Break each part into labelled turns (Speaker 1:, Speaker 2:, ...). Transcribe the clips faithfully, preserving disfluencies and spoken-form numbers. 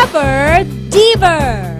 Speaker 1: Never Diver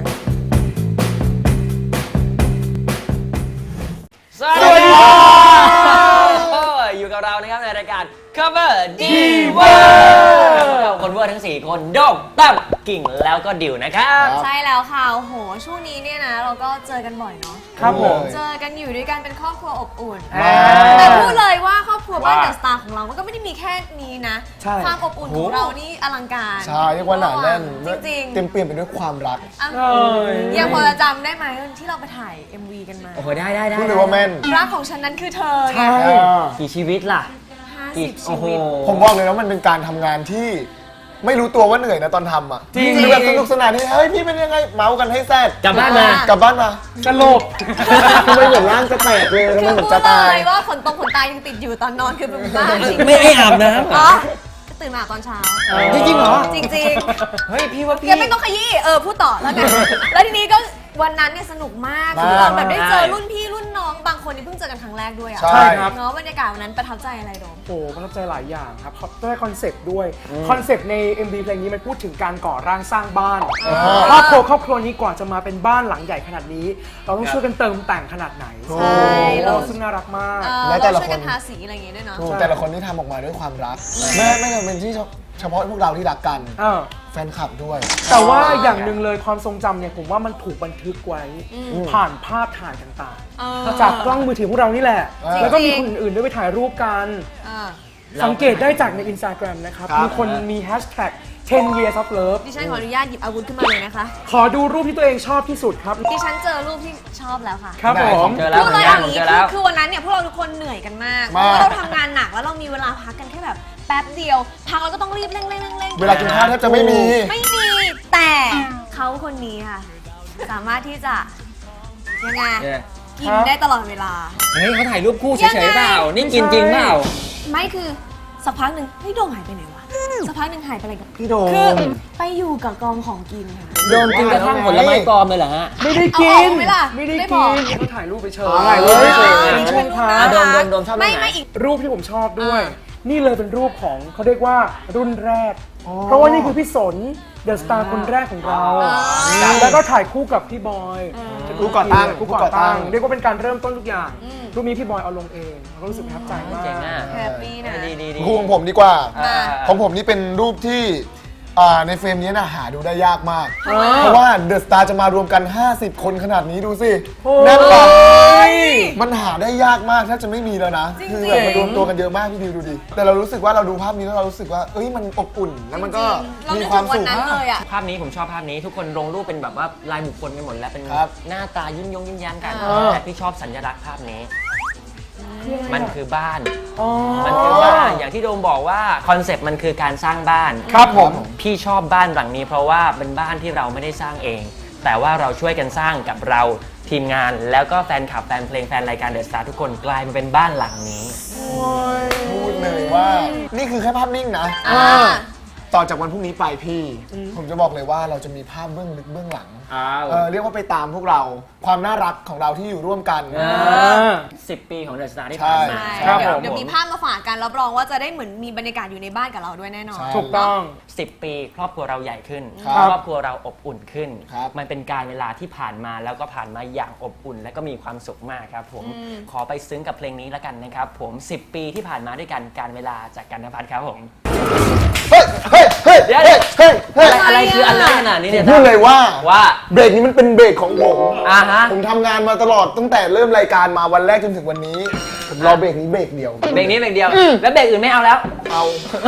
Speaker 2: สวัสดีครับอยู่กับเรานะครับในรายการ Cover Diver เราคนเวอร์ทั้งสี่คนโดกตั้มกิ่งแล้วก็ดิวนะครับ
Speaker 3: ใช่แล้วค่ะโอ้โหช่วงนี้เนี่ยนะเราก็เจอกันบ่อยเนาะ
Speaker 4: ครับผม
Speaker 3: เจอกันอยู่ด้วยกันเป็นครอบครัวอบอุ่นแต่พูดเลยว่าครอบครัวบ้านเดอะสตาร์ของเราก็ไม่ได้มีแค่นี้นะความอบอุ่นของเรานี่อลังการ
Speaker 4: ใช่เรียกว่าหนาแน่น
Speaker 3: จริงๆ
Speaker 4: เต็มเปี่ยมไปด้วยความรัก
Speaker 3: ยังพอจะจำได้ไหมที่เราไปถ่าย เอ็ม วี กันมา
Speaker 2: โอ้โหได้ได้ได้
Speaker 4: พูดเลยว่าแม่น
Speaker 3: รักของฉันนั้นคือเธอไง
Speaker 2: กี่ชีวิตล่ะ
Speaker 3: กี่ชีวิต
Speaker 4: ผมบอกเลยว่ามันเป็นการทำงานที่ไม่รู้ตัวว่าเหนื่อยนะตอนทำอ่ะจริงคือแบบสนุกสนานที่เฮ้ยพี่เป็นยังไงเมาส์กันให้แซ่ด
Speaker 2: กลับบ้านมาก
Speaker 4: ลับบ้านมา
Speaker 2: สลบ
Speaker 4: ทำไมเหมือนร่างจะแตกเลยทำไมเหมือนจะตาย
Speaker 3: คือพูดเลยว่าขนตรงขนตายังติดอยู่ตอนนอนคือเป็นบ้าจริง
Speaker 2: ไม่ให้อาบน้ำ
Speaker 3: อ๋อตื่นมาตอนเช้า
Speaker 2: จริงเหรอ
Speaker 3: จริง
Speaker 2: ๆเฮ้ยพี่ว่าพี่
Speaker 3: ยังไม่ต้องขยี้เออพูดต่อแล้วกันแล้วทีนี้ก็วันนั้นเนี่ยสนุกมากคือเราแบบได้เจอรุ่นพี่รุ่นน้องบางคนที่เพิ่งเจอกันครั้งแรกด้วยอ่ะ
Speaker 4: ใช่ครับ
Speaker 3: เนาะบรรยากาศวันนั้นประทับใจอะไรโดม
Speaker 5: โอ้ประทับใจหลายอย่างครับด้วยคอนเซปต์ด้วยคอนเซปต์ใน เอ็ม วี เพลงนี้มันพูดถึงการก่อร่างสร้างบ้านครอบครัวครอบครัวนี้กว่าจะมาเป็นบ้านหลังใหญ่ขนาดนี้เราต้องช่วยกันเติมแต่งขนาดไหน
Speaker 3: ใช่
Speaker 5: เราซึ่งน่ารักมาก
Speaker 3: แล้วแต่ละคนช่วยกันทาสีอะไรอย่างเงี้ยด้วยเนาะ
Speaker 4: แต่ละคนที่ทำออกมาด้วยความรักไม่ไม่จำเป็นที่เฉพาะพวกเราที่รักกันแฟนคลับด้วย
Speaker 5: แต่ว่าอย่างหนึ่งเลยความทรงจำเนี่ยผมว่ามันถูกบันทึกไว้ผ่านภาพถ่ายต่างๆจากกล้องมือถือพวกเรานี่แหละแล้วก็มีคนอื่นๆด้วยไปถ่ายรูปกันสังเกตได้จากใน Instagram นะครับมีคนมีแฮชแท็กten years of love
Speaker 3: ดิฉันขออนุญาตหยิบอาวุธขึ้นมาเลยนะคะ
Speaker 5: ขอดูรูปที่ตัวเองชอบที่สุดครับ
Speaker 3: ดิฉันเจอรูปที่ชอบแล้วค่ะ
Speaker 5: ครับผม
Speaker 2: เจอแล้ว
Speaker 3: พูดเลยอย่างนี้คือคือวันนั้นเนี่ยพวกเราทุกคนเหนื่อยกันมากเพราะว่าเราทำงานหนักแล้วเรามีเวลาพักกันแค่แบบแป๊บเดียวพักเราก็ต้องรีบเร่งเร่งเร่ง
Speaker 4: เวลากินข้าวแทบจะไม่มี
Speaker 3: ไม่มีแต่เขาคนนี้ค่ะสามารถที่จะยังไงกินได้ตลอดเวลา
Speaker 2: เฮ้ยเขาถ่ายรูปคู่เฉยๆเปล่านี่กินจริงเปล่า
Speaker 3: ไม่คือสักพักหนึ่งเฮ้ยโดมหายไปไหนวะสักพักหนึ่งหายไปอะไรกัน
Speaker 4: พี่โดม
Speaker 3: คือไปอยู่กับกองของกินค่ะ
Speaker 2: โดมกินกระทั่งผลไม้ปลอมเลยเหรอฮะ
Speaker 5: ไม่ได้กิน
Speaker 3: ไม่ได้
Speaker 5: ไม่ได้กินเขาถ่ายรูปไปเฉย
Speaker 4: ถ่ายรูปไปเฉย
Speaker 5: ช่วงท้า
Speaker 2: โดมโดมโดมชอบไม่
Speaker 3: ไม่อีก
Speaker 5: รูปที่ผมชอบด้วยนี่เลยเป็นรูปของเขาเรียกว่ารุ่นแรกเพราะว่านี่คือพี่สนเดอะสตาร์คนแรกของเราแล้วก็ถ่ายคู่กับพี่บอย
Speaker 4: คู่ก่อตั้ง
Speaker 5: คู่ก่อตั้งเรียกว่าเป็นการเริ่มต้นทุกอย่างรูปนี้พี่บอยเอาลงเองเรารู้สึกประทับใจมาก
Speaker 3: แฮปปี้นะ
Speaker 4: คู่ของผมดีกว่าของผมนี่เป็นรูปที่ในเฟรมนี้นะหาดูได้ยากมากเพราะว่าเดอะสตาร์จะมารวมกันห้าสิบคนขนาดนี้ดูสิแน่นแบบมันหาได้ยากมากถ้าจะไม่มีแล้วนะคือแบบมารวมตัวกันเยอะมากพี่ดิวดูดิแต่เรารู้สึกว่าเราดูภาพนี้แล้วเรารู้สึกว่าเอ้ยมันอบอุ่นแล้วมันก็มีความสุข
Speaker 2: ภาพนี้ผมชอบภาพนี้ทุกคนลงรูปเป็นแบบว่าลายบุคคลกันหมดแล้วเป็นหน้าตายิ้มยงยิ้มแย้มกันแต่พี่ชอบสัญลักษณ์ภาพนี้มันคือบ้านมันคือบ้านอย่างที่โดมบอกว่าคอนเซปต์มันคือการสร้างบ้าน
Speaker 5: ครับผม
Speaker 2: พี่ชอบบ้านหลังนี้เพราะว่าเป็นบ้านที่เราไม่ได้สร้างเองแต่ว่าเราช่วยกันสร้างกับเราทีมงานแล้วก็แฟนคลับแฟนเพลงแฟนรายการเดอะสตาร์ทุกคนกลายมาเป็นบ้านหลังนี้
Speaker 4: พูดเลยว่านี่คือแค่ภาพนิ่งนะต่อจากวันพรุ่งนี้ไปพี่ผมจะบอกเลยว่าเราจะมีภาพเบื้องลึกเบื้องหลังเออเรียกว่าไปตามพวกเราความน่ารักของเราที่อยู่ร่วมกัน
Speaker 2: สิบปีของเดอะสตาร์ที่ผ่านมา
Speaker 3: เดี๋ยวมีภาพมาฝากกันรับรองว่าจะได้เหมือนมีบรรยากาศอยู่ในบ้านกับเราด้วยแน่นอน
Speaker 5: ถูกต้อง
Speaker 2: สิบปีครอบครัวเราใหญ่ขึ้นครอบครัวเราอบอุ่นขึ้นมันเป็นการเวลาที่ผ่านมาแล้วก็ผ่านมาอย่างอบอุ่นและก็มีความสุขมากครับผมขอไปซึ้งกับเพลงนี้แล้วกันนะครับผมสิบปีที่ผ่านมาด้วยกันการเวลาจากกันนภัทรครับผม
Speaker 4: เฮ้ยเฮ้ยเฮ้ย
Speaker 2: เดี๋ยวเฮ้ยเฮ้ยอะไรคืออันเลิศขนาดนี้เนี่ย
Speaker 4: พูดเลยว่า
Speaker 2: ว่า
Speaker 4: เบรกนี้มันเป็นเบรกของผม
Speaker 2: อ่าฮะ
Speaker 4: ผมทำงานมาตลอดตั้งแต่เริ่มรายการมาวันแรกจนถึงวันนี้ผมรอเบรกนี้เบรกเดียว
Speaker 2: เบรกนี้เบรกเดียวแล้วเบรกอื่นไม่เอาแล้ว
Speaker 4: เอา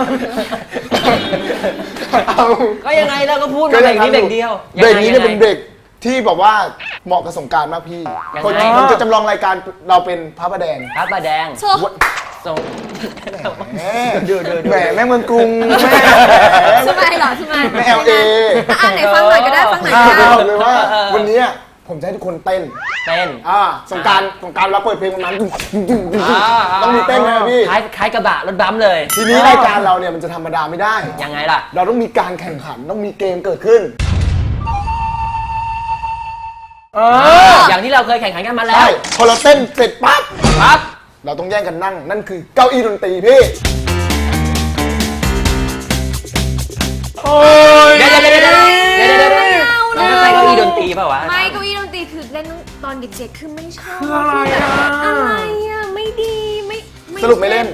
Speaker 2: เอาก็ยังไงเราก็พูดเบรกนี้เบรกเดียว
Speaker 4: เบรกนี้เนี่ยเป็นเบรกที่บอกว่าเหมาะกับสงกรานต์มากพี่ผมจะจำลองรายการเราเป็นพระประแดง
Speaker 2: พระประแดงส่ง
Speaker 4: แม่ดูดูแม่แม่เมืองกรุงแม่
Speaker 3: ทำไมหรอทำไม
Speaker 4: แม่เอลเอ
Speaker 3: อ่านไหนฟังหน่อยก็ได้ฟังหน่อยก็ได้
Speaker 4: บอกเลยว่าวันนี้ผมจะให้ทุกคนเต้น
Speaker 2: เต้น
Speaker 4: อ่าสงการสงการเราเปิดเพลงวันนั้นต้องมีเต้นนะพี่
Speaker 2: คล้ายคล้ายกระบะรถบัมเลย
Speaker 4: ทีนี้รายการเราเนี่ยมันจะธรรมดาไม่ได้
Speaker 2: ยังไงล่ะ
Speaker 4: เราต้องมีการแข่งขันต้องมีเกมเกิดขึ้น
Speaker 2: อย่างที่เราเคยแข่งขันกันมาแล้ว
Speaker 4: ใช่พอเราเต้นเสร็จปั๊บ
Speaker 2: ปั๊บ
Speaker 4: เราต้องแย่งกันนั่งนั่นคือเก้าอี้ดนตรีพี่
Speaker 5: โอ้ย
Speaker 2: เดี๋ยวเดี๋ยวเดี๋ยวเดี๋ยว
Speaker 3: เด็กๆ คือไม่ชอบ
Speaker 5: คืออะไรอ่ะ
Speaker 3: อะไรอ่ะ ไม่ดีไม่ไม่
Speaker 4: สรุปไม่เล่น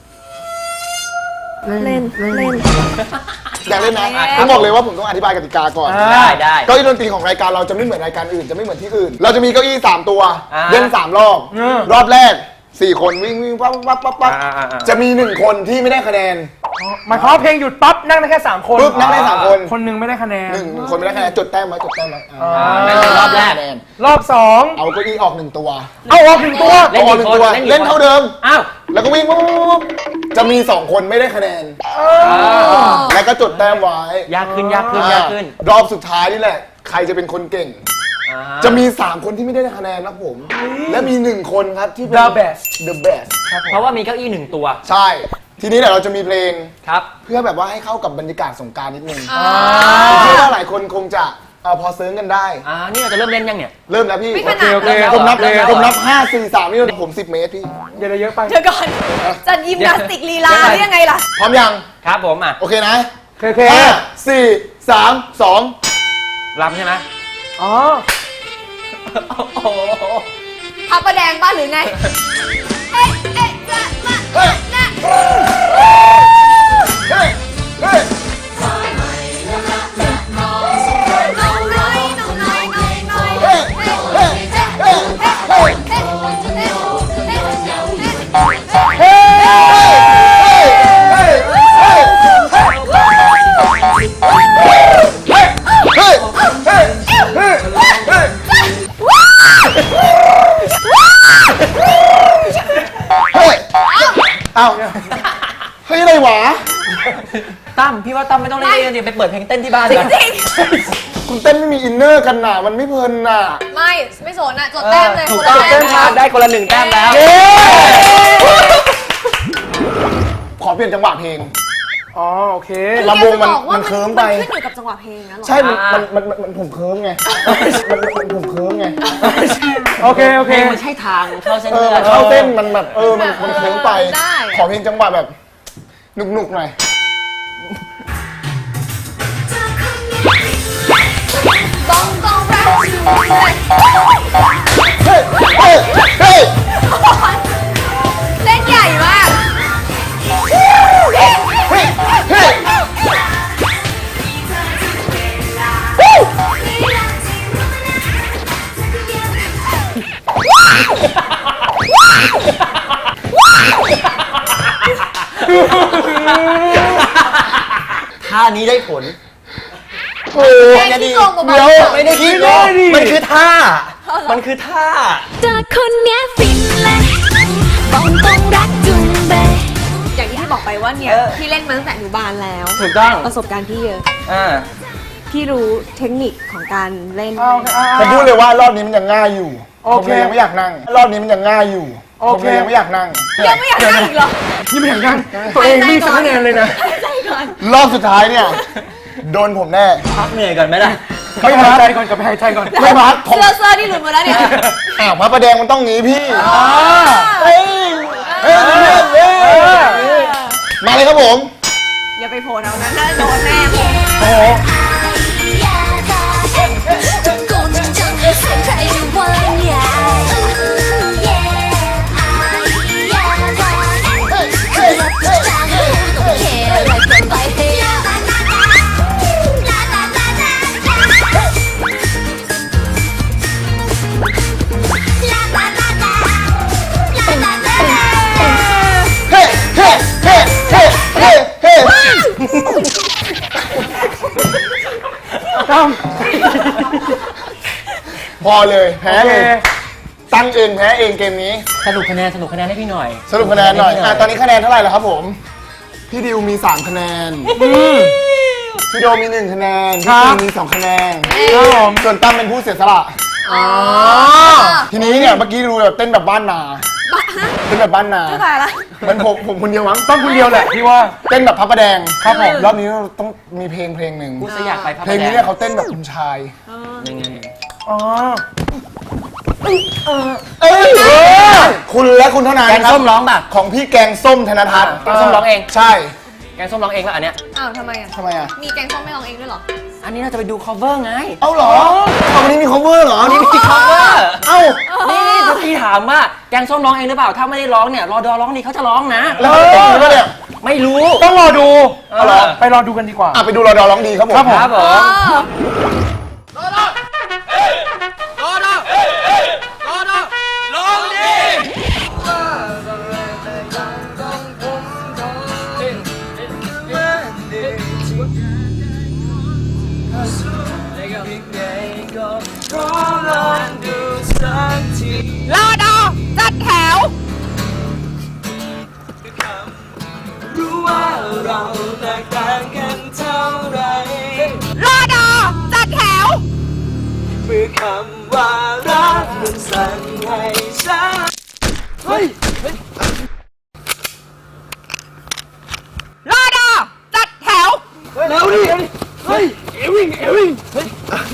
Speaker 3: เล่นเล่น
Speaker 4: อยากเล่นนะ
Speaker 3: อ่ะ
Speaker 4: ผมบอกเลยว่าผมต้องอธิบายกติกาก่อน
Speaker 2: ได้ได้
Speaker 4: เก้าอี้ดนตรีของรายการเราจะไม่เหมือนรายการอื่นจะไม่เหมือนที่อื่น เราจะมีเก้าอี้สามตัว
Speaker 2: อ่า
Speaker 4: เล่นสามรอบ
Speaker 5: อืม
Speaker 4: รอบแรกสี่คนวิ่งวิ่งปั๊บปั๊บปั๊บปั๊บ
Speaker 2: อ่าอ่าอ่า
Speaker 4: จะมีหนึ่งคนที่ไม่ได้คะแนน
Speaker 5: หมายความว่าเพลงหยุดปั๊บนั่งได้แค่สามคน
Speaker 4: ปุ๊บนั่งได้สามคน
Speaker 5: คนหนึงไม่ได้คะแนน
Speaker 4: หนึ่งคนไม่ได้คะแนนจดแต้มไว้จดแต้มไว้อ่า
Speaker 2: อ่านั่นคือรอบแรก
Speaker 4: คะนน
Speaker 5: รอบสอง
Speaker 4: เอาเก้าอี้ออกหนึ่งตัว
Speaker 5: เอาออกหนึ่งตัว
Speaker 2: เล่น
Speaker 4: เอาออกหนึ่งตัว
Speaker 2: กี่คนเล่นกี่คน
Speaker 4: เล่นเท่าเดิม
Speaker 2: อ้าว
Speaker 4: แล้วก็วิ่งปุ๊บปุ๊บปุ๊บจะมีสองคนไม่ได้คะแนน แล้วก็จดแต้มไว้
Speaker 2: ยากขึ้นยากขึ้นยากขึ้น
Speaker 4: รอบสุดท้ายนี่แหละ ใครจะเป็นคนเก่ง
Speaker 2: อ่า
Speaker 4: จะมี สาม คนที่ไม่ได้คะแนนนะผม และมี หนึ่ง คนครับที่เป็น
Speaker 5: The best
Speaker 4: the best ครับผม
Speaker 2: เพราะว่ามีเก้าอี้หนึ่งตัว
Speaker 4: ใช่ ทีนี้เดี๋ยวเราจะมีเพลง
Speaker 2: ครับ
Speaker 4: เพื่อแบบว่าให้เข้ากับบรรยากาศสงกรานต์นิดนึง
Speaker 3: อ่า
Speaker 4: ผมเชื่อว่าหลายคนคงจะเอ่อพอเซิร์งกันได้
Speaker 2: อ่า นี่เราจะเริ่มเล่นยังเนี่ย
Speaker 4: เริ่มแล้วพี่
Speaker 3: ไม่ขนาด
Speaker 5: โอเค
Speaker 4: ผมนับ
Speaker 2: เริ่มแล้ว
Speaker 4: ผมนับห้า สี่ สามนี่ผม สิบ เมตรพี่
Speaker 5: อย่าได้เยอะไป
Speaker 3: เดี๋ยวก่อนจะยิมนาสติกลีลาหรือยังไงล่ะ
Speaker 4: พร้อมยัง
Speaker 2: ครับผมอ่ะ
Speaker 4: โอเคนะ
Speaker 5: โอเค
Speaker 4: ห้า สี่ สาม สอง
Speaker 2: รำใช่ไหม
Speaker 5: อ๋อ
Speaker 2: โอ้โห
Speaker 3: พับประแดงบ้านหรือไง เอ๊ะเอ๊ะจะมา
Speaker 4: เฮ้ย
Speaker 3: นะ
Speaker 4: เฮ้ย เฮ้ย
Speaker 3: น้องน้อยน้องน้อยน้องน้อย
Speaker 4: เฮ้ย เฮ้ย เฮ้ย เฮ้ย
Speaker 3: เฮ้เฮ้เฮ้
Speaker 4: เฮ้ย เฮ้ย เฮ้ย เฮ้ย เฮ้ย เฮ้ย เฮ้ย เฮ้ย เฮ้ย เอ้าเฮ้ยอะไรวะ
Speaker 2: ตั้มพี่ว่าตั้มไม่ต้องเล่นเองดิไปเปิดเพลงเต้นที่บ้าน
Speaker 3: จ
Speaker 2: กัน
Speaker 3: ริง
Speaker 4: คุณเต้นไม่มีอินเนอร์กันน่ะ มันไม่เพลินน่ะ
Speaker 3: ๆไม่ไม่สนอ่ะจดแต้มเลย
Speaker 2: ถูก
Speaker 3: คน
Speaker 2: ต้
Speaker 3: ละ
Speaker 2: อง
Speaker 3: แต้
Speaker 2: เต้
Speaker 3: ม
Speaker 2: นครับได้คนละหนึ่งแต้มแล้ว
Speaker 4: ขอเปลี่ยนจังหวะเพลง
Speaker 5: อ๋อ โอเค
Speaker 4: ลำวงมัน
Speaker 3: แกจะบอกว่า
Speaker 4: มันเคิร์มไป
Speaker 3: มันขึ้นอยู่กับจังหวะเพลงนะหรอ
Speaker 4: ใช่ มัน
Speaker 2: อ่ามั
Speaker 4: มัน มัน มัน ผมเคิร์มไง มันมันผมเคิร์มไง
Speaker 5: โอเค โอ
Speaker 2: เพ
Speaker 5: เค
Speaker 2: ลงมันใช่ทางเข้าเส้น
Speaker 4: เออ
Speaker 2: เลือด
Speaker 4: เข้าเต้นมันแบบ เออ มัน มันเคิร์มไป
Speaker 3: ได้
Speaker 4: ขอเพลงจังหวะแบบหนุกๆหน่อย
Speaker 3: ต้องต้องแรปอยู่เลย
Speaker 4: เฮ้ย เฮ้ย เฮ้ย
Speaker 3: เล่นใหญ่มาก
Speaker 4: เฮ้ย เฮ้ย เฮ้ย
Speaker 2: ท่านี้ได้ผล
Speaker 4: โอ้
Speaker 3: แค่ที่โกงกว่าบอล
Speaker 4: เดี๋ยว
Speaker 2: ไม่ได้คิด
Speaker 5: ไม่ได้ดิ
Speaker 2: มันคือท่า มันคือท่า
Speaker 1: เจอคนเนี้ยฟินเลยบอกต้องรักจุงเบย
Speaker 3: อย่างที่พี่บอกไปว่าเนี่ย
Speaker 2: เออ
Speaker 3: พี่เล่นมาตั้งแต่อนุบาลแล้ว
Speaker 2: ถูกต้อง
Speaker 3: ประสบการณ์พี่เยอะ
Speaker 2: อ่า
Speaker 3: พี่รู้เทคนิคของการเล่น
Speaker 5: เอาโอเคอ่า
Speaker 4: ผมพูดเลยว่ารอบนี้มันยังง่ายอยู่
Speaker 5: โอ
Speaker 4: ผม
Speaker 5: เค
Speaker 4: เลยยังไม่อยากนั่ง รอบนี้มันยังง่ายอยู่
Speaker 5: โอ
Speaker 4: ผม
Speaker 5: เค
Speaker 4: เลยยังไม่อยากนั่ง
Speaker 3: ยังไม่อยากนั่งอีกเหรอ
Speaker 5: นี่ไม่อยากนั่งตัวเองมีสักคะแนนเลยนะ
Speaker 3: ใจก่อน
Speaker 4: รอบสุดท้ายเนี่ย โดนผมแน่
Speaker 2: พักเหนื่อยก่อนไหมล่ะ
Speaker 5: ไม่หายใจก่อนกับหายใจก่อน
Speaker 4: ไม่พักผม
Speaker 3: เสื้อเสื้อนี่หลุดหมดแล้วเนี่ย
Speaker 4: อ้าวมาประแดงมันต้องงี้พี่
Speaker 3: เฮ้ย
Speaker 4: เฮ้ยเฮ้ยเฮ้ยมาเลยครับผม
Speaker 3: อย่าไปโผล่เอานะน่าโดนแน่
Speaker 4: โอ้โห
Speaker 1: ตะโกนจังๆให้เสียงใครอยู่ว่าอย่าจางหูต้องแค่ไรเกินไปเฮ้ย
Speaker 4: เฮ้เฮ้เฮ้เฮ้เฮ้เฮ้
Speaker 5: ตั้ม
Speaker 4: พอเลยแพ้
Speaker 5: โอเค
Speaker 4: เลยตั้งเองแพ้เองเกมนี้
Speaker 2: สรุปคะแนนสรุปคะแนนให้พี่หน่อย
Speaker 4: สรุปคะแนนหน่อยอ่ะตอนนี้คะแนนเท่าไหร่แล้วครับผม พี่ดิวมีสามคะแนน พี่โดมีหนึ่งคะแนน พี่ตีมีสองคะแนน
Speaker 5: ครับผม
Speaker 4: ส่วนตั้มเป็นผู้เสียสละ
Speaker 3: อ๋อ
Speaker 4: ทีนี้เนี่ยเมื่อกี้ดูแบบเต้นแบบบ้านนา
Speaker 3: บ้าฮะ
Speaker 4: เต้นแบบบ้านนา
Speaker 3: ไม่ตายละ
Speaker 4: เหมันผมผมคนเดียวมั้ง
Speaker 5: ต้องคนเดียวแหละพี่ว่า
Speaker 4: เต้นแบบพับประแดงครับผมรอบนี้เราต้องมีเพลงเพลงหนึ่ง
Speaker 2: กูจะอยากไปพับ
Speaker 4: เพลงนี้เนี่ยเขาเต้นแบบคุณชาย
Speaker 2: ยังไง
Speaker 5: อ๋อ
Speaker 4: เอ้ยคุณและคุณเท่านั้น
Speaker 2: แกง
Speaker 4: ครับ
Speaker 2: ส้มร้องป่ะ
Speaker 4: ของพี่แกงส้มธนทัศน์
Speaker 2: แกงส้มร้องเอง
Speaker 4: ใช่
Speaker 2: แกงส้มร้องเองแล้วอันเนี้ย
Speaker 3: อ้าวทำไมอ่ะ
Speaker 4: ทำไมอ่ะ
Speaker 3: มีแกงส้มไม่ลองเองด้วยเหรอ
Speaker 2: อันนี้เราจะไปดู cover ไง
Speaker 4: เอาเหรอเอาวันนี้มี cover เหรอ
Speaker 2: นี่มี cover
Speaker 4: เอ้า
Speaker 2: นี่นี่ทุกทีถามว่าแกงส้มร้องเองหรือเปล่า ถ้าไม่ได้ร้องเนี่ยรอดอร้องดีเขาจะร้องนะ
Speaker 4: แล้วเต็มแล้วเนี่ย
Speaker 2: ไม่รู้
Speaker 5: ต้องรอดู
Speaker 2: เอาเหรอ
Speaker 5: ไปรอดูกันดีกว่า
Speaker 4: อ่ะไปดูรอดอร้องดีครับผม
Speaker 2: ครับผม
Speaker 3: รอดอจัดแถว
Speaker 6: รู้ว่าเราแตกต่างกันเท่าไร
Speaker 3: รอดอจัดแถว
Speaker 6: เมื่อคำว่ารักมันสั่งให้ฉัน
Speaker 3: รอดอจัดแถว
Speaker 6: แล้วดิเฮ้ยเอวิงเอวิงเฮ้ย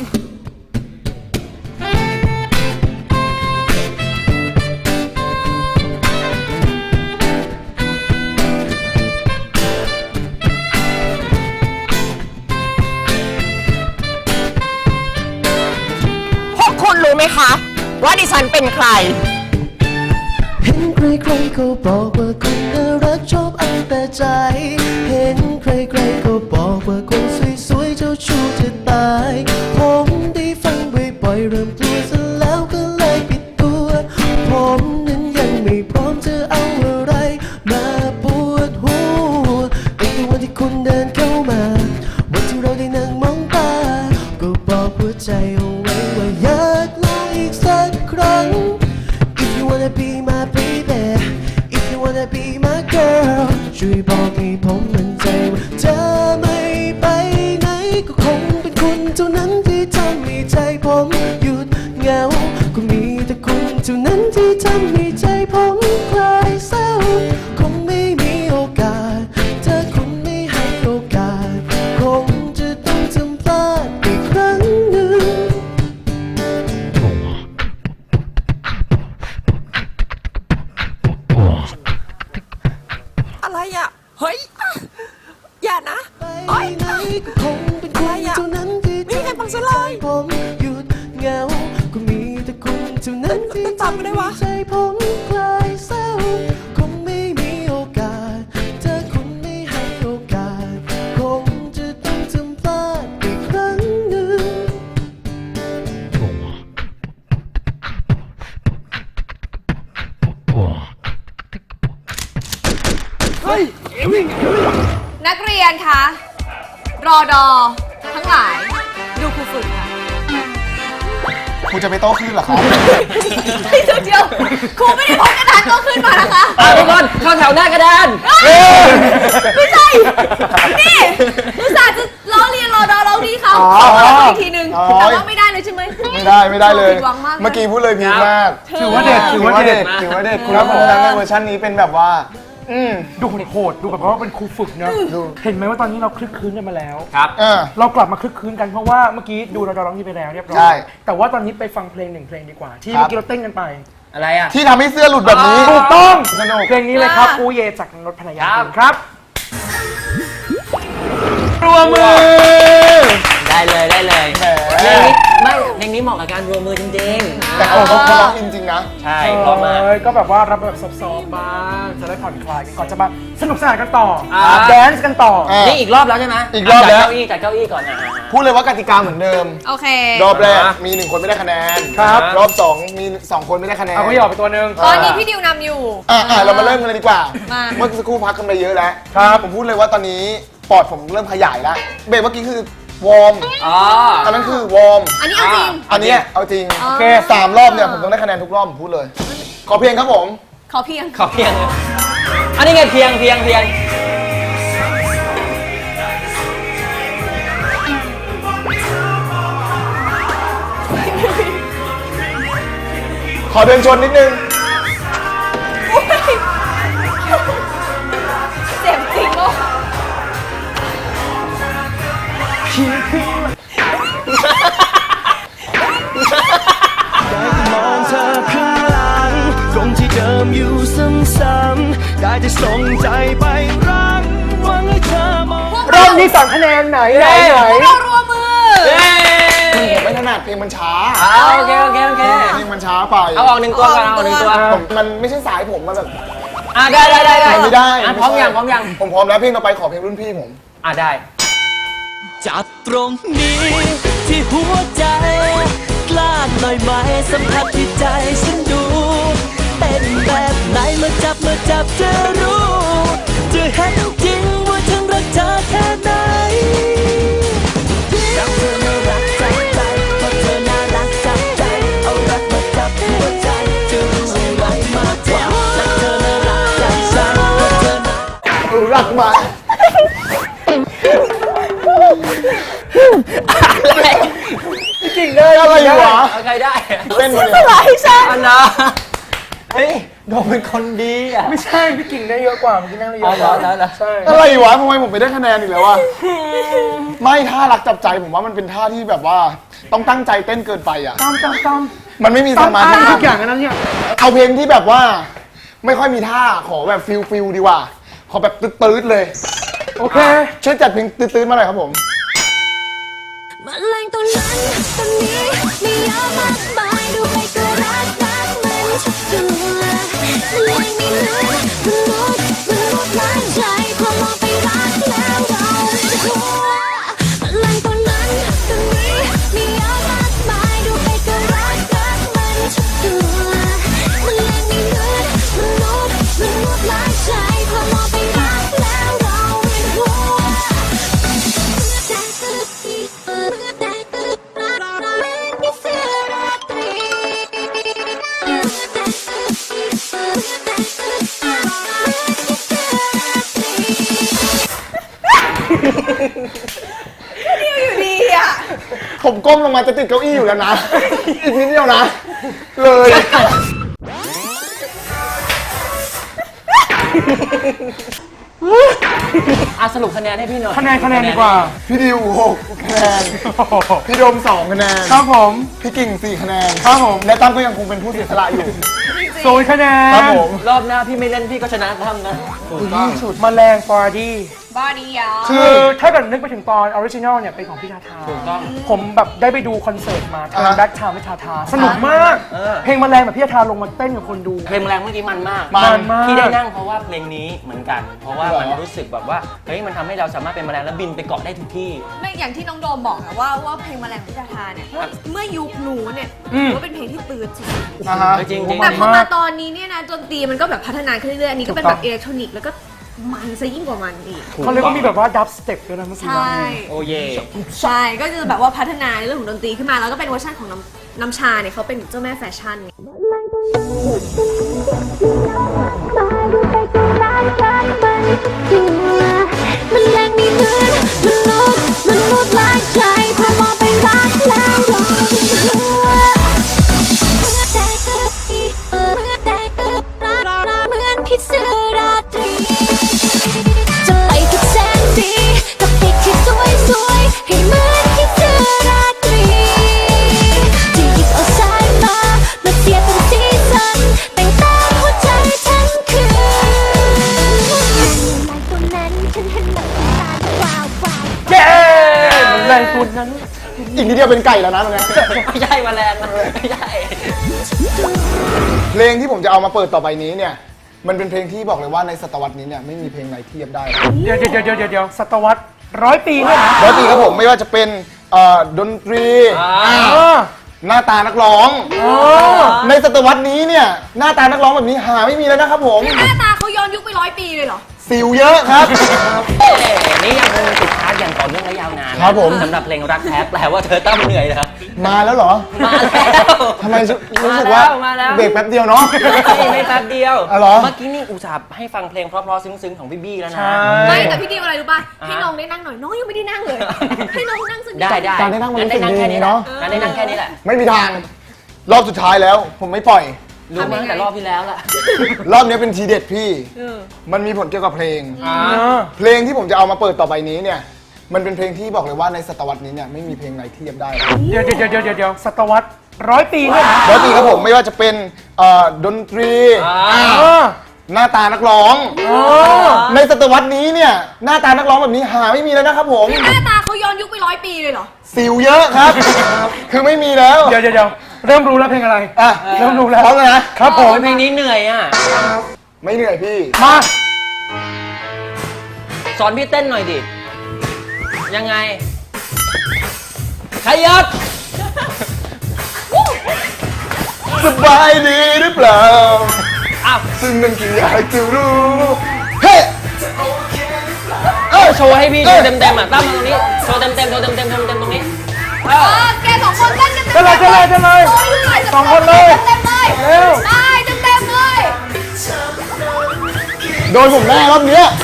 Speaker 3: พวกคุณรู้ไหมคะ ว่าดิฉันเป็นใคร
Speaker 6: เห็นใครๆก็บอกว่าคุณน่ารักชอบเอาแต่ใจ เห็นใครๆก็บอกว่าคนสวยๆเจ้าชู้จะตาย ผมได้ฟังบ่อยๆเริ่มกลัวซะแล้วก็เลยปิดตัว ผมนั้นยังไม่พร้อมจะเอาอะไรมาปวดหัวตั้งแต่วันที่คุณเดินเข้ามาวันที่เราได้นั่งมองตา ก็บอกหัวใจเอาไว้ว่าอยากลองอีกสักครั้ง If you wanna be my baby If you wanna be my girl ช่วยบอกให้ผมมั่นใจว่าเธอไม่ไปไหนก็คงเป็นคุณเท่านั้นที่ทำให้ใจผมหยุดเหงา ก็มีแต่คุณเท่านั้นที่ทำให้ใจผมคลายเศร้า คงไม่มีโอกาสถ้าคุณไม่ให้โอกาส คงจะต้องทำพลาดอีกครั้งหนึ่ง
Speaker 3: อะไรอ่ะ เฮ้ย อย่านะ
Speaker 6: ไปไหนก็คงเป็นคุณเท่านั้นที่
Speaker 3: ไม่มีใครฟังฉันเลย
Speaker 6: ผมหยุดเหงา ก็มีแต่คุณเท่านั้นที่
Speaker 3: จำไม่ได้วะ
Speaker 6: ใจผมคลายเศร้า คงไม่มีโอกาสถ้าคุณไม่ให้โอกาส คงจะต้องทำพลาดอีกครั้งหนึ่ง
Speaker 3: นักเรียนคะ รอดอทั้งหลาย ดูครูฝึกค่ะ
Speaker 4: คุณจะไปโต้คลื่นเหรอครับ
Speaker 3: เฮ้ยเดี๋ยวเดี๋ยวครูไม่ได้พกกระดานโตขึ้นมานะคะ
Speaker 2: อ่ะทุกคนเข้าแถวหน้ากระดาน
Speaker 3: ไม่ใช่ นี่อุตส่าห์จะล้อเลียนรอดอร้องดีเขา
Speaker 4: อ๋อ
Speaker 3: ขอมาอีกทีนึง
Speaker 4: อ๋อ
Speaker 3: แต่ว่าไม่ได้เลยใช่ไหม
Speaker 4: ไม่ได้ไม่ได้เลย
Speaker 3: ผิดหวังมาก
Speaker 4: เมื่อกี้พูดเลยพีคมาก
Speaker 5: ถือว่าเด็ดถือว่าเด็ด
Speaker 4: ถือว่าเด็ดคุณรับพลังในเวอร์ชันนี้เป็นแบบว่า อืม
Speaker 5: ดูโหดๆดูแบบว่าเป็นครูฝึกเนอะเห็นไหมว่าตอนนี้เราคลึกคลื้นกันมาแล้ว
Speaker 2: ครับ
Speaker 4: เออ
Speaker 5: เรากลับมาคลึกคลื้นกันเพราะว่าเมื่อกี้ดูเราดอร้องดีไปแล้วเรียบร้อ
Speaker 4: ใช่
Speaker 5: ย แต่ว่าตอนนี้ไปฟังเพลงหนึ่งเพลงดีกว่า ที่
Speaker 4: ครับ
Speaker 5: เมื่อกี้เราเต้นกันไป
Speaker 2: อะไรอ่ะ
Speaker 4: ที่ทำให้เสื้อหลุดแบบนี้
Speaker 5: ถูกต้อง
Speaker 4: สนุก
Speaker 5: เพลงนี้เลยครับอูเยจากนนท์ภรรยา
Speaker 2: ครับ
Speaker 5: ครับรวมมือ
Speaker 2: ได้เลยได้เลย
Speaker 4: แหม
Speaker 2: เพลงนี้ไม่เพลงนี้เหมาะกับการรวมมือจริง
Speaker 4: แต่เขาเขาร้องจริงๆนะ
Speaker 2: ๆ ใช่เพราะมาก
Speaker 5: เออก็แบบว่ารับแบบซอฟต์ๆบ้างจะได้ผ่อนคลายกันก่อนจะมาสนุกสนานกันต่อ
Speaker 2: อ่า
Speaker 5: แดนซ์กันต่อ
Speaker 4: อ่ะ
Speaker 2: นี่อีกรอบแล้วใช่ไหม
Speaker 4: อีกรอบแล้ว
Speaker 2: จัดเก้าอี้จัดเก้าอี้ก่อนนะ
Speaker 4: พูดเลยว่ากติกาเหมือนเดิม
Speaker 3: โอเค
Speaker 4: รอบแรกมีหนึ่งคนไม่ได้คะแนน
Speaker 5: ครับ
Speaker 4: รอบสองมีสองคนไม่ได้คะแนน
Speaker 5: เอาก็หยอกไปตัวหนึง
Speaker 3: ตอนนี้พี่ดิวนำอยู่
Speaker 4: อ่ะอ่ะเรามาเริ่มกันเลยดีกว่า
Speaker 3: มา
Speaker 4: เมื่อสักครู่พักกันไปเยอะแล้ว
Speaker 5: ครับ
Speaker 4: ผมพูดเลยว่าตอนนี้ปอดผมเริ่มขยายแล้วเบรกเมื่อกี้คือวอร์ม
Speaker 2: อ๋อ
Speaker 4: อันนั้นคือวอร์ม
Speaker 3: อันนี้เอาจริง
Speaker 4: อันเนี้ยเอาจริง
Speaker 3: อ๋อ
Speaker 4: โอเคสามรอบเนี่ยผมต้องได้คะแนนทุกรอบผมพูดเลย ขอเพียงครับผม
Speaker 3: ขอเพียง
Speaker 2: ขอเพียงเลยอันนี้ไงเพียงเพียงเพียง
Speaker 4: ขอเดินชนนิดนึง
Speaker 3: เจ็บจริงเนาะ
Speaker 6: มองเธอข้างหลังตรงที่เดิมอยู่ซ้ำๆได้แต่ส่งใจไปรักหวังให้เธอมอง
Speaker 5: รอบนี้สองคะแนนไหนไหนไหน
Speaker 3: พวกเรารวมมือ
Speaker 4: ผมไม่ถนัดเพลงมันช้า
Speaker 2: อ่าโอเคโอเคโอเค
Speaker 4: เพลงมันช้าไป
Speaker 2: เอาออกหนึ่งตัวก่อนเอาออกหนึ่งตัว
Speaker 4: ผมมันไม่ใช่สายผมมันแบบ
Speaker 2: อ่ะได้ได้ได้ได้
Speaker 4: ไม่ได้
Speaker 2: อ่ะพร้อมยังพร้อมยัง
Speaker 4: ผมพร้อมแล้วเพลงต่อไปขอเพลงรุ่นพี่ผม
Speaker 2: อ่ะได้
Speaker 6: จับตรงนี้ที่หัวใจ กล้าหน่อยไหมสัมผัสที่ใจฉันดู เป็นแบบไหนเมื่อจับเมื่อจับจะรู้ จะเห็นจริงว่าฉันรักเธอแค่ไหนรักเธอน่ารักจับใจเพราะเธอน่ารักจับใจเอารักมาจับหัวใจจะรู้อะไรมากกว่ารักเธอน่ารักจับใจเพราะเธอน่า
Speaker 4: รักมา
Speaker 2: อะไร
Speaker 4: จริงได้อะไรอยู่วะ
Speaker 2: เอาใครได้
Speaker 4: เต้นมา
Speaker 3: ส
Speaker 4: เลย
Speaker 3: ลายฉัน
Speaker 2: อันนะเฮ้ยโดมเป็นคนดีอ่ะ
Speaker 5: ไม่ใช่พี่กิ่งได้เยอะกว่าเมื่อกี้นั่งได้เย
Speaker 2: อ๋อ
Speaker 5: อะ
Speaker 2: เห
Speaker 5: ก
Speaker 2: รอ
Speaker 5: ว่า
Speaker 2: เหรอเหรอ
Speaker 5: ใช่
Speaker 4: อะไรวะทำไมผมไปได้คะแนนอีกแล้ววะไม่ท่ารักจับใจผมว่ามันเป็นท่าที่แบบว่าต้องตั้งใจเต้นเกินไปอ่ะ
Speaker 5: ตามตามตาม
Speaker 4: มันไม่มีส
Speaker 5: ตาม
Speaker 4: มา
Speaker 5: อ้า
Speaker 4: ธิ
Speaker 5: งทุกอย่างอันนั้นเนี่ย
Speaker 4: เอาเพลงที่แบบว่า ไม่ค่อยมีท่าขอแบบฟิลฟิลดีกว่า ขอแบบตืดๆเลย
Speaker 5: โอเค
Speaker 4: ช่วยจัดเพลงตืดๆมาหน่อยครับผม
Speaker 1: แมลงตัวนั้นตัวนี้มีเยอะมากมายดูไปก็รักรักมันทุกตัวแมลงมีเนื้อมนุษย์มนุษย์ล้านใจพอมองไปรักแล้วเราจะกลัวแมลงตัวนั้นตัวนี้มีเยอะมากมายดูไปก็รักรักมันทุกตัวแมลงมีเนื้อมนุษย์มนุษย์ล้านใจพอมองไปรักแล้วเราจะกลัว
Speaker 3: อยู่ดีอ่ะ
Speaker 4: ผมก้มลงมาจะติดเก้าอี้อยู่แล้วนะ อีกนิดเดียวนะ เลย
Speaker 2: อ่ะสรุปคะแนนให้พี่หน่อย
Speaker 5: คะแนนคะแนนดีกว่า
Speaker 4: พี่ดิวหกคะแนน พี่โดมสองคะแนน
Speaker 5: ครับผม
Speaker 4: พี่กิ่งสี่คะแนน
Speaker 5: ครับผม
Speaker 4: และตั้มก็ยังคงเป็นผู้เสียสละอยู่
Speaker 5: ศูนย์คะแนน
Speaker 4: ครับผม
Speaker 2: รอบหน้าพี่ไม่เล่นพี่ก็ชนะทำนะ
Speaker 5: แมลงฟอร์ดี้
Speaker 3: บอดี้ยา
Speaker 5: คือถ้าเกิดนึกไปถึงตอนออริจินอลเนี่ยเป็นของพี่ทาทา
Speaker 2: ถูกต้อง
Speaker 5: ผมแบบได้ไปดูคอนเสิร์ตมาทาง
Speaker 4: อ่าฮะ
Speaker 5: แบ็คไทม์พี่ทาทา สนุกมาก
Speaker 2: เออ
Speaker 5: เพลงแมลงแบบพี่ทาทาลงมาเต้นกับคนดู
Speaker 2: เพลงแรงเมื่อกี้มันมาก
Speaker 5: มันมาก
Speaker 2: ที่ได้นั่งเพราะว่าเพลงนี้เหมือนกัน เพราะว่า
Speaker 4: เหรอ
Speaker 2: มันรู้สึกแบบว่าเฮ้ยมันทำให้เราสามารถเป็นแมลงแล้วบินไปเกาะได้ทุกที่
Speaker 3: ไม่อย่างที่น้องโดมบอกนะว่าว่าเพลงแมลงพิจาทาเนี่ยเมื่อยุคนู้นเนี่ย
Speaker 5: อืม
Speaker 3: ถือว่าเป็นเพลงที่ตื่นสุด
Speaker 4: อ่าฮะ
Speaker 2: จริงๆจริง
Speaker 3: แต่พอ
Speaker 5: มาม
Speaker 3: าก ตอนนี้เนี่ยนะดนตรีมันก็แบบพัฒนาขึ้นเรื่อยๆอันนี้ก็เป็น
Speaker 5: ถู
Speaker 3: แบ
Speaker 5: กต้อง
Speaker 3: บอิเล็กทรอนิกส์แล้วก็มันซะยิ่งกว่ามันอีก
Speaker 5: เขาเรียกว่ามีแบบว่าดับสเต็ปด้วยนะเมื่อกี้
Speaker 3: ใช่
Speaker 2: โอ้เย่
Speaker 3: ใช่ก็จะแบบว่าพัฒนาในเรื่องของดนตรีขึ้นมาแล้วก็เป็นเวอร์ชันของน้ำน้ำชาเนี่ยเขาเป็นเจ้าแม่แฟชั่นไง
Speaker 1: มันแรงมีเนื้อมนุษย์มนุษย์หลายใจพอมองไปรักแล้วเราจะกลัวเหมือนพิษราตรีจะไปทุกแสนดีกับเด็กที่สวยสวยให้เหมือนพิษราตรีที่หยิบเอาสายมามาเสียบเป็นสีสันแต่งตาหัวใจทั้งคืน ลายตัวนั้นฉันเห็นแบบตาว้าวว้าว
Speaker 5: เย้แรงตัวนั้น
Speaker 4: อีกนิดเดียวเป็นไก่แล้วนะตรงนี้
Speaker 2: ไม่ใช่แมลงนะไม่ใช่
Speaker 4: เพลงที่ผมจะเอามาเปิดต่อไปนี้เนี่ย มันเป็นเพลงที่บอกเลยว่าในศตวรรษนี้เนี่ยไม่มีเพลงไหนเทียบได้
Speaker 5: เดี๋ยวเดี๋ยวเดี๋ยวเดี๋ยวเดี๋ยวศตวรรษร้อยปีเนี่ยนะ
Speaker 4: ร้อยปีครับผมไม่ว่าจะเป็นเอ่อดนตรี
Speaker 5: อ่า
Speaker 4: หน้าตานักร้อง ในศตวรรษนี้เนี่ยหน้าตานักร้องแบบนี้หาไม่มีแล้วนะครับผม
Speaker 3: หน้าตาเขาย้อนยุคไปร้อยปีเลยเหรอ
Speaker 4: สิวเยอะครับ
Speaker 2: เอ้นี่ยังคงติดชาร์จอย่างต่อเนื่องและยาวนานนะครับ
Speaker 4: ผม
Speaker 2: สำหรับเพลงรักแท้แปลว่าเธอต้องเหนื่อยนะครับ
Speaker 4: มาแล้วเหรอ
Speaker 2: มาแล้ว
Speaker 4: ทำไมรู้สึกว่า
Speaker 2: มาแล้ว
Speaker 4: เบรกแป๊บเดียวเนาะ
Speaker 2: ไม่ไม่แป๊บเดียว
Speaker 4: อ๋อเหรอ
Speaker 2: เมื่อกี้นี่อุตส่าห์ให้ฟังเพลงเพราะๆซึ้งๆของพี่บี้แล้วนะ
Speaker 5: ใช่
Speaker 3: ไม่แต่พี่ดิวอะไรรู้ป่ะ
Speaker 2: อ่า
Speaker 3: ให้น้องได้นั่งหน่อยน้องยังไม่ได้นั่งเลย ให้น้องนั่งสักนิ
Speaker 2: ได้ได้
Speaker 4: การได้นั่งมันรู้สึก
Speaker 2: ได้นั่ง
Speaker 4: ดี
Speaker 2: แค่นี้
Speaker 4: เนอะ
Speaker 2: การได้นั่งแค่นี้แหละ
Speaker 4: ไม่มีทางรอบสุดท้ายแล้ว ผมไม่ปล่อย
Speaker 2: รู้มาตั้งแต่รอบที่แล้วล่ะ
Speaker 4: รอบนี้เป็นทีเด็ดพี่ มันมีผลเกี่ยวกับเพลง
Speaker 5: อ่า
Speaker 4: เพลงที่ผมจะเอามาเปิดต่อไปนี้เนี่ย มันเป็นเพลงที่บอกเลยว่าในศตวรรษนี้เนี่ยไม่มีเพลงไหนเทียบได้
Speaker 5: เดี๋ยวเดี๋ยวเดี๋ยวเดี๋ยวเดี๋ยวศตวรรษร้อยปีเนี่ยนะ
Speaker 4: ร้อยปีครับผมไม่ว่าจะเป็นเอ่อดนตรี
Speaker 5: อ่า
Speaker 4: หน้าตานักร้อง ในศตวรรษนี้เนี่ยหน้าตานักร้องแบบนี้หาไม่มีแล้วนะครับผม
Speaker 3: หน้าตาเขาย้อนยุคไปร้อยปีเลยเหรอ
Speaker 4: สิวเยอะครับ คือไม่มีแล้ว
Speaker 5: เดี๋ยวเดี๋ยวเดี๋ยวเริ่มรู้แล้วเพลงอะไร
Speaker 4: อ่ะ
Speaker 5: เริ่มรู้แล้ว
Speaker 4: พร้อมแล้วนะครับ
Speaker 5: ผม
Speaker 2: เพลงนี้เหนื่อยอ่ะ
Speaker 4: ไม่เหนื่อยพี่
Speaker 5: มา
Speaker 2: สอนพี่เต้นหน่อยดิ ยังไงขยับ
Speaker 4: สบายดีหรือเปล่า
Speaker 2: อ้าว
Speaker 4: ซึ่งนั่นคืออยากจะรู้ เฮ้
Speaker 2: เออโชว์ให้พี่ดูเต็มๆอ่ะตั้มมาตรงนี้ โชว์เต็มๆโชว์เต็มๆโชว์เต็มๆตรงนี้เอ
Speaker 3: เอ
Speaker 2: อ
Speaker 3: อแกสองคนเต้นกัน
Speaker 5: เจะเลยเจะเลยเจะเลย
Speaker 3: โอ้ยเหนื่อย
Speaker 5: สองคนเลย
Speaker 3: เต็มๆเลย
Speaker 5: เร็ว
Speaker 3: ได้เต็มๆเลย
Speaker 4: โดนผมแน่รอบเนี้ย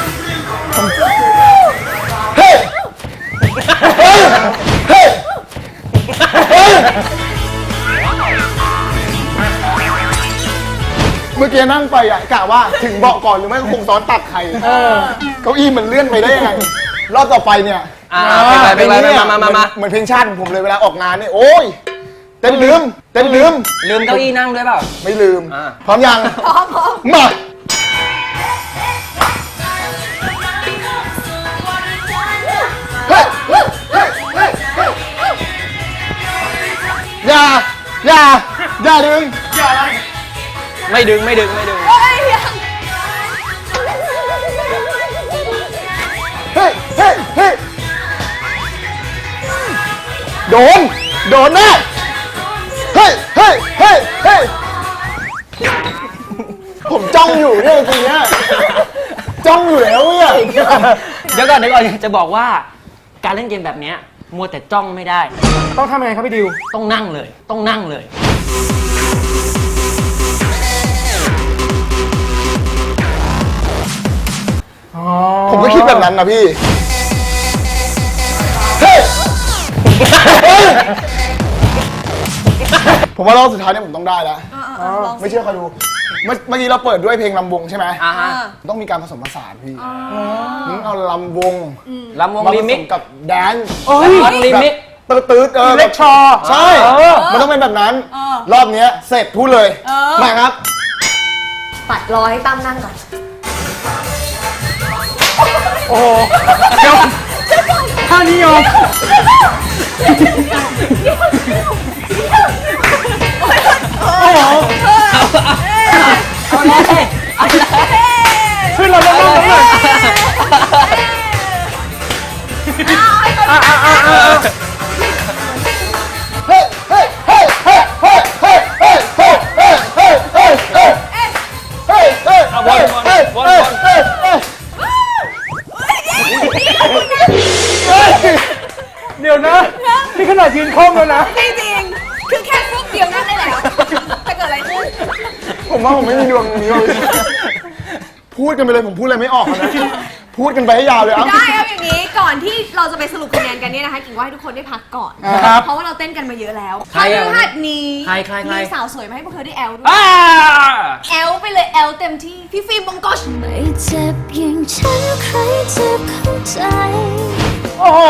Speaker 4: เฮ้ เฮ้เฮ้เฮ้เมื่อกี้นั่งไปอ่ะกะว่าถึงเบาะก่อนหรือไม่ก็คงซ้อนตักใครเก้าอี้มันเลื่อนไปได้ยังไง รอบต่อไปเนี่ย
Speaker 2: อ่าเป็นไรเป็นไร
Speaker 4: เนี่ย
Speaker 2: มามามามา
Speaker 4: เหมือนเพลงชาติผมเลยเวลาออกงานเนี่ยโอ้ยเต้นลืมเต้นลืม
Speaker 2: ลืมเก้าอี้นั่งด้วยเปล่า
Speaker 4: ไม่ลืม
Speaker 2: อ่า
Speaker 4: พร้อมยัง
Speaker 3: พร้อมพร้อม
Speaker 4: มาเฮ้ยเฮ้ยเฮ้ยเฮ้ยเฮ้ยอย่าอย่าอย่าดึง
Speaker 2: ไม่ดึงไม่ดึงไม่ดึง
Speaker 3: เฮ้ยยัง
Speaker 4: เฮ้ยเฮ้ยเฮ้ยโดนโดนแน่เฮ้ยเฮ้ยเฮ้ยเฮ้ยผมจ้องอยู่เนี่ยจริงๆเนี่ยจ้องอยู่แล้วเนี่ย
Speaker 2: เดี๋ยวก่อนเดี๋ยวก่อนจะบอกว่าการเล่นเกมแบบเนี้ยมัวแต่จ้องไม่ได้
Speaker 5: ต้องทำยังไงครับพี่ดิว
Speaker 2: ต้องนั่งเลย ต้องนั่งเลย
Speaker 5: อ๋อ
Speaker 4: ผมก็คิดแบบนั้นนะพี่เฮ้ยเฮ้ยผมว่ารอบสุดท้ายเนี่ยผมต้องได้แล้ว
Speaker 3: เออเออเออลอง
Speaker 4: ไม่เชื่อคอยดู เมื่อเมื่อกี้เราเปิดด้วยเพลงลำวงใช่ไหม
Speaker 2: อ่าฮะ
Speaker 4: ต้องมีการผสมผสานพี่งั้นเอาลำวง
Speaker 2: ลำวง
Speaker 4: มาผ
Speaker 2: รี
Speaker 4: ส
Speaker 2: มิก
Speaker 4: มกับแดนซ์
Speaker 5: เอ้ย
Speaker 2: ลำรีมิก
Speaker 4: ตืดตืดๆเออ
Speaker 5: อิเล็กทรอ
Speaker 4: ใช่
Speaker 5: เออ
Speaker 4: มันต้องเป็นแบบนั้น
Speaker 3: เออ
Speaker 4: รอบเนี้ยเสร็จพูดเลย
Speaker 3: เออ
Speaker 4: มาครับ
Speaker 3: ปัดรอให้ตั้มนั่งก่อน
Speaker 5: โอ้โหยอมท่านี้ยอม โอ้โห
Speaker 2: เอาเลยเอาเลย
Speaker 5: ขึ้นเราแล้วนั่งเลยอ่ะอ่ะอ่ะอ่ะ
Speaker 4: เฮ้ยเฮ้ยเฮ้ยเฮ้ยเฮ้ยเฮ้ยเฮ้ยเฮ้ยเฮ้ยเฮ้ยเฮ้ยเฮ้ยเฮ้ยเฮ้ย
Speaker 2: เอาวนวนวนวน
Speaker 4: เฮ้ยเฮ้ย
Speaker 5: เดี๋ยวนะนี่ขนาดยืนคล่อมแล้วนะ
Speaker 3: จริงๆคือแค่ฟุกเดียวนั่งได้แล้วจะเกิดอะไรขึ้น
Speaker 4: ผมว่าผมไม่มีดวงนี้ว่ะพูดกันไปเลยผมพูดอะไรไม่ออกแล้วนะพูดกันไปให้ยาวเลยอ่ะ
Speaker 3: ได้เอาอย่างนี้ก่อนที่เราจะไปสรุปคะแนนกันเนี่ยนะคะกิ่งว่าให้ทุกคนได้พักก่อน
Speaker 4: ครับ
Speaker 3: เพราะว่าเราเต้นกันมาเยอะแล้ว
Speaker 2: ใครอะ
Speaker 3: พฤหัสนี้
Speaker 2: ใครใครใคร
Speaker 3: มีสาวสวยมาให้พวกเธอได้แอลด้วย
Speaker 2: อ่า
Speaker 3: แอลไปเลยแอลเต็มที่พี่ฟิล์มบงกอช
Speaker 1: ไม่เจ็บอย่างฉันใครจะเข้าใจ
Speaker 5: โอ้โห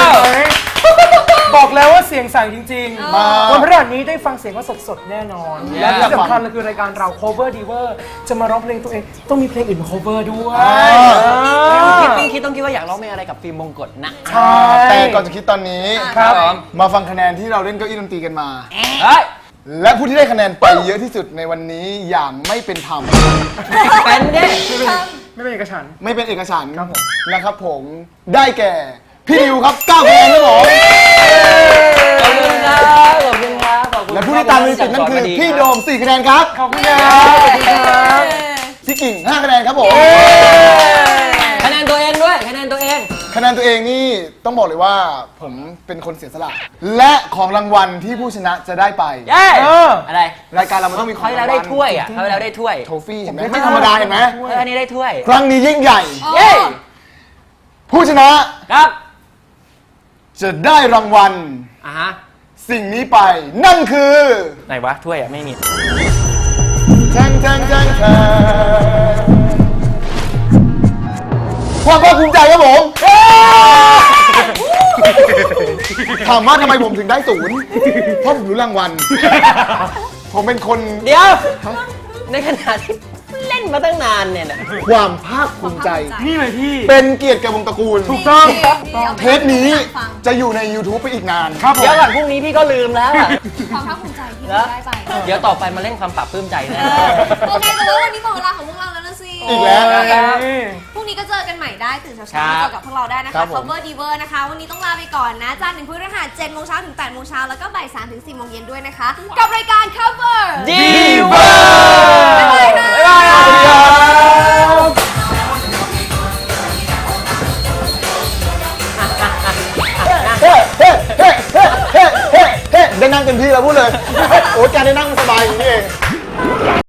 Speaker 5: บอกแล้วว่าเสียงใสจริง
Speaker 4: มา
Speaker 5: ๆ วันพฤหัสนี้ได้ฟังเสียงว่าสดๆ แน่นอน และที่สำคัญเลยคือรายการเรา cover diver จะมาร้องเพลงตัวเอง ต้องมีเพลงอื่นมา cover ด้วย
Speaker 2: คิดต้องคิดต้องคิดว่าอยากร้องเพลงอะไรกับฟิล์มมงกฎนะ
Speaker 5: ใช่
Speaker 4: แต่ก่อนจะคิดตอนนี้
Speaker 5: ครับ
Speaker 2: ผม
Speaker 4: มาฟังคะแนนที่เราเล่นเก้าอี้ดนตรีกันมา
Speaker 2: เฮ้ย
Speaker 4: และผู้ที่ได้คะแนนไปเยอะที่สุดในวันนี้อย่างไม่เป็นธรรม
Speaker 2: เป็นเด้
Speaker 5: ไม่เป็นเอกฉันท์
Speaker 4: ไม่เป็นเอกฉันท์
Speaker 5: ครับผม
Speaker 4: นะครับผมได้แก่พี่ดิวครับเก้าคะแนนครับผม
Speaker 2: ขอบคุณครับขอบคุณครับขอบคุณ
Speaker 4: และผู้ที่ตามมีสิทธิ์นั่นคือพี่โดมสี่คะแนนครับ
Speaker 5: ขอบคุณครับขอบคุณครับ
Speaker 4: พี่กิ่งห้าคะแนนครับผม
Speaker 2: คะแนนตัวเองด้วยคะแนนตัวเอง
Speaker 4: คะแนนตัวเองนี่ต้องบอกเลยว่าผมเป็นคนเสียสละ และของรางวัลที่ผู้ชนะจะได้ไป
Speaker 2: เย้
Speaker 5: เออ
Speaker 2: อะไร
Speaker 4: รายการเรามันต้องมีข
Speaker 2: เขา
Speaker 4: อง
Speaker 2: ให้
Speaker 4: รา
Speaker 2: เรา
Speaker 4: งวั
Speaker 2: ได้
Speaker 4: ล
Speaker 2: ถ้วยอ่ะเขาให้เราได้ถ้วย
Speaker 4: โทฟี่เห็นไหมไม่ธรรมดาเห็นไหม
Speaker 2: เอออันนี้ได้ถ้วย
Speaker 4: ครั้งนี้ยิ่งใหญ่
Speaker 2: เย้
Speaker 4: ผู้ชนะครับ จะได้รางวัล
Speaker 2: อ่ะฮะ
Speaker 4: สิ่งนี้ไป นั่นคือ
Speaker 2: ไหนวะถ้วยอ่ะไม่มี
Speaker 4: แทงแทงแทงแทงความภาคภูมิใจครับผมถามว่าทำไมผมถึงได้ศูนย์เพราะผมรู้รางวัล ผมเป็นคน
Speaker 2: เดี๋ยว ในขณะที่เล่นมาตั้งนานเนี่ยนะ
Speaker 4: ความภาคภูมิใจ
Speaker 5: นี่เลยพี่
Speaker 4: เป็นเกียรติแก่วงตระกูล
Speaker 5: ถูกต้อง
Speaker 4: เทปนี้จะอยู่ใน YouTube ไปอีกนาน
Speaker 5: ครับผม
Speaker 2: เดี๋ยวก่อนพรุ่งนี้พี่ก็ลืมแล้วอะ
Speaker 3: ความภาคภูมิใจที่
Speaker 2: แล้ว
Speaker 3: ได้ไป
Speaker 2: เดี๋ยวต่อไปมาเล่นความปรับปลื้มใจแน่
Speaker 3: โอเคแต่ว่าวันนี้หมดเวลาของพวกเราแล้วนะสิ
Speaker 4: อีกแล้ว
Speaker 2: นะครับ
Speaker 3: พรุ่งนี้ก็เจอกันใหม่ได้ตื่นเช้า
Speaker 2: ครั
Speaker 3: ๆ
Speaker 2: บ
Speaker 3: มาเจอกับพวกเราได้นะ
Speaker 4: ครั
Speaker 3: คะ
Speaker 4: บผม
Speaker 3: Cover Diver นะคะ วันนี้ต้องลาไปก่อนนะจันทร์ถึงพฤหัสเจ็ดโมงเช้าถึงแปดโมงเช้าแล้วก็บ่ายสามถึงสี่โมงเย็นด้วยนะคะ กับรายการ Cover
Speaker 2: ดีเวอร์
Speaker 3: บ๊ายบายค่ะ
Speaker 2: บ๊ายบายครับ
Speaker 4: เฮ้เฮ้เฮ้เฮ้เฮ้เฮ้ได้นั่งเต็มที่แล้วพูดเลย โอ้ยการได้นั่งมันสบายอย่างนี้เอง